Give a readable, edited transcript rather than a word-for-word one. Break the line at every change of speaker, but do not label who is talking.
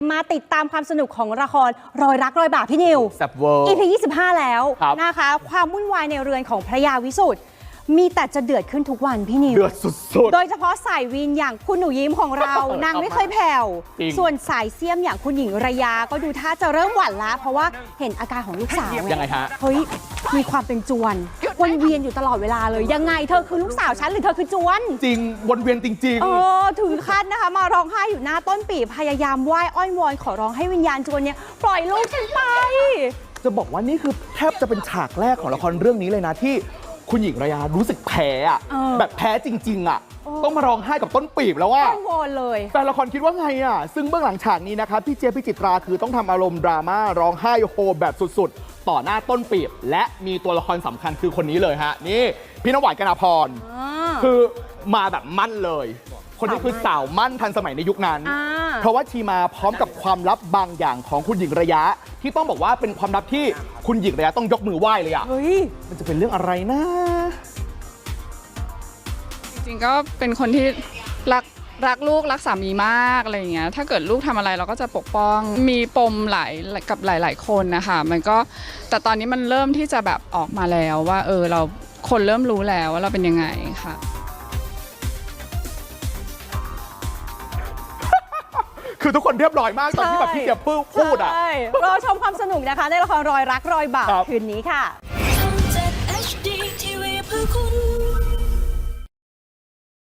มาติดตามความสนุกของละครรอยรักรอยบาปพี่นิว
แซ่บเวอร์
EP 25 แล้ว
นะคะ
ความวุ่นวายในเรือนของพระยาวิสุทธ์มีแต่จะเดือดขึ้นทุกวันพี่นิว
เดือดสุดๆ
โดยเฉพาะสายวีนอย่างคุณหนูยิ้มของเรา นางไม่เคยแผ่ว
จริง
ส่วนสายเสี้ยมอย่างคุณหญิงระยาก็ดูท่าจะเริ่มหวั่นละเพราะว่าเห็นอาการของลูกสาว
ยังไงฮะ
เฮ้ยมีความเป็นจวนวนเวียนอยู่ตลอดเวลาเลยยังไงเธอคือลูกสาวฉันหรือเธอคือจวน
จริงวนเวียนจริง
ถึงขั้นนะคะมาร้องไห้อยู่หน้าต้นปีพยายามไหว้อ้อนวอนขอร้องให้วิญญาณจวนเนี่ยปล่อยลูกฉันไป
ๆ จะบอกว่านี่คือแทบจะเป็นฉากแรกของละครเรื่องนี้เลยนะที่คุณหญิงระยารู้สึกแพ้อะ แบบแพ้จริงๆอะต้องมาร้องไห้กับต้นปีบแล้วว่า
อ้อนวอนเลย
แฟนละครคิดว่าไงอ่ะซึ่งเบื้องหลังฉากนี้นะครับพี่เจี๊ยบพิจิตราคือต้องทำอารมณ์ดราม่าร้องไห้โฮแบบสุดๆ ต่อหน้าต้นปีบและมีตัวละครสำคัญคือคนนี้เลยฮะนี่พี่น้ำหวานกนพรคือมาแบบมั่นเลย คนนี้คือสาวมั่นทันสมัยในยุคนั้น เพราะว่าชีมาพร้อมกับความลับบางอย่างของคุณหญิงระยะ ที่ต้องบอกว่าเป็นความลับที่คุณหญิงระยะต้องยกมือไหว้เลยอ่ะ
เฮ้ย
มันจะเป็นเรื่องอะไรนะ
จริงๆก็เป็นคนที่รักลูกรักสามีมากอะไรอย่างเงี้ยถ้าเกิดลูกทำอะไรเราก็จะปกป้องมีปมกับหลายคนนะคะมันก็แต่ตอนนี้มันเริ่มที่จะแบบออกมาแล้วว่าเราคนเริ่มรู้แล้วว่าเราเป็นยังไงค่ะ
คือทุกคนเรียบร้อยมากตอนที่แบบพี่เจี๊ยบพูดอ่ะ
ใช่รอชมความสนุกนะคะในละครรอยรักรอยบาป
ครับ
คืนนี้ค่ะ
ช่อง 7 HD TV เพื่อคุณ